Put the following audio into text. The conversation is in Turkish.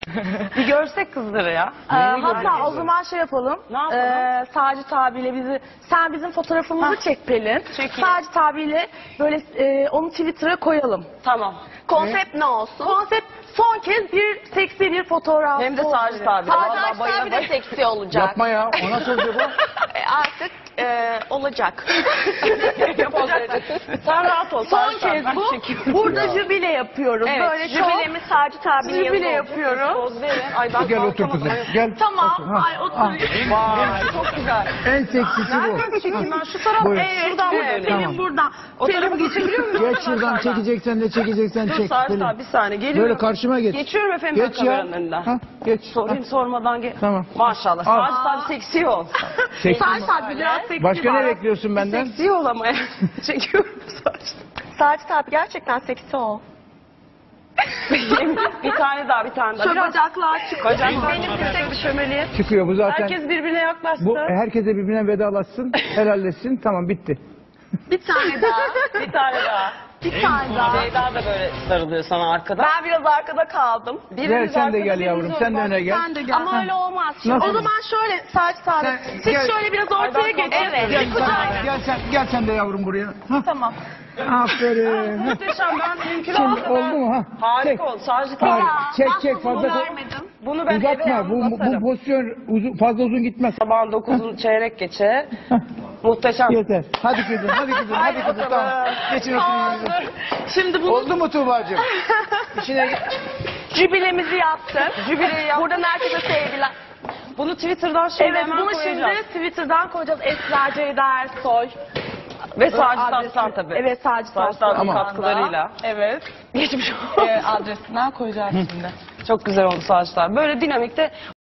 Bir görsek kızları ya. Hatta o zaman şey yapalım. Ne yapalım? Sacit abiyle sen bizim fotoğrafımızı çek Pelin. Çekeyim. Sacit abiyle böyle onu Twitter'a koyalım. Tamam. Konsept ne olsun? Konsept son kez bir seksi bir fotoğraf. Hem de Sacit abi. Sacit abi de seksi olacak. Yapma ya. O nasıl olacak o? Artık olacak. Sen rahat ol. Son Sacit abi, kez ben bu. çekiyorum. Burada jübile yapıyoruz. Evet, Böyle jübilemiz Sacit abinin yanında jübile olacak. yapıyoruz. Poz verin. Ay ben Gel otur kalkamadım. kızım. Gel. Tamam. Otur. Ha. Ay oturayım. Vay çok güzel. En seksisi bu. Nereden çekeyim ben? Şu taraf. Buyurun. Şuradan mı Evet, döneyim? Pelin buradan. O tarafa geçebiliyor muyum? Geç şuradan çekeceksen de çekeceksen Dur çek. Sacit Pelin. abi bir saniye geliyorum. Böyle karşıma geç. Geçiyorum efendim Geç ben ya. kameranın önünden. Ha, geç. Sorayım sormadan gel. Tamam. Maşallah. Al. Sacit abi seksi ol. Seksi. Sacit abi biraz seksi Başka var. ne bekliyorsun benden? Seksi ol ama. Çekiyorum Sacit. Sacit abi gerçekten seksi ol. Bir tane daha bir tane daha. Şu Biraz bacaklar çık. bacaklar benim bir çömeliğe. Çıkıyor bu zaten. Herkes birbirine yaklaşsın. Bu herkese birbirine vedalaşsın, helalleşsin. Tamam bitti. Bir tane daha. Bir tane daha. Bir tane daha. Ceyda da böyle sarılıyor sana arkadan. Ben biraz arkada kaldım. Gel sen de gel yavrum, sen de öne gel. Sen de gel. Ama öyle olmaz. Nasıl? O zaman şöyle Sacit abi. Sen Siz gel. şöyle biraz ortaya geçin. Evet. Gel sen de yavrum buraya. Hah, Tamam. aferin. Hah. Muhteşem ben mümkün Şimdi olsa oldu mu ha? Harika oldu. Sacit abi. Harika. Çek fazla vermedim. Bunu ben eve uzatma. Bu anlatarım. pozisyon fazla uzun gitmez. Sabahın 9'un çeyrek geçe. Muhteşem. Yeter. Hadi kızım, hadi kızım, hadi kızım. Tamam. Geçin oturun. Şimdi bunu Oldu mu Tuğba'cığım? İşine Jübilemizi yaptık. Jübileyi yap. Buradan herkese sevgiler. Bunu Twitter'dan şimdi evet hemen bunu koyacağız. şimdi Twitter'dan koyacağız. Esra Ceyda Ersoy. Ve Sacit Adresi. Aslan tabii. Evet Sacit Sacit Aslan. Aslan Tamam. katkılarıyla. Evet. Geçmiş olsun. Adresinden koyacağız şimdi. Çok güzel oldu Sacit abi. Böyle dinamikte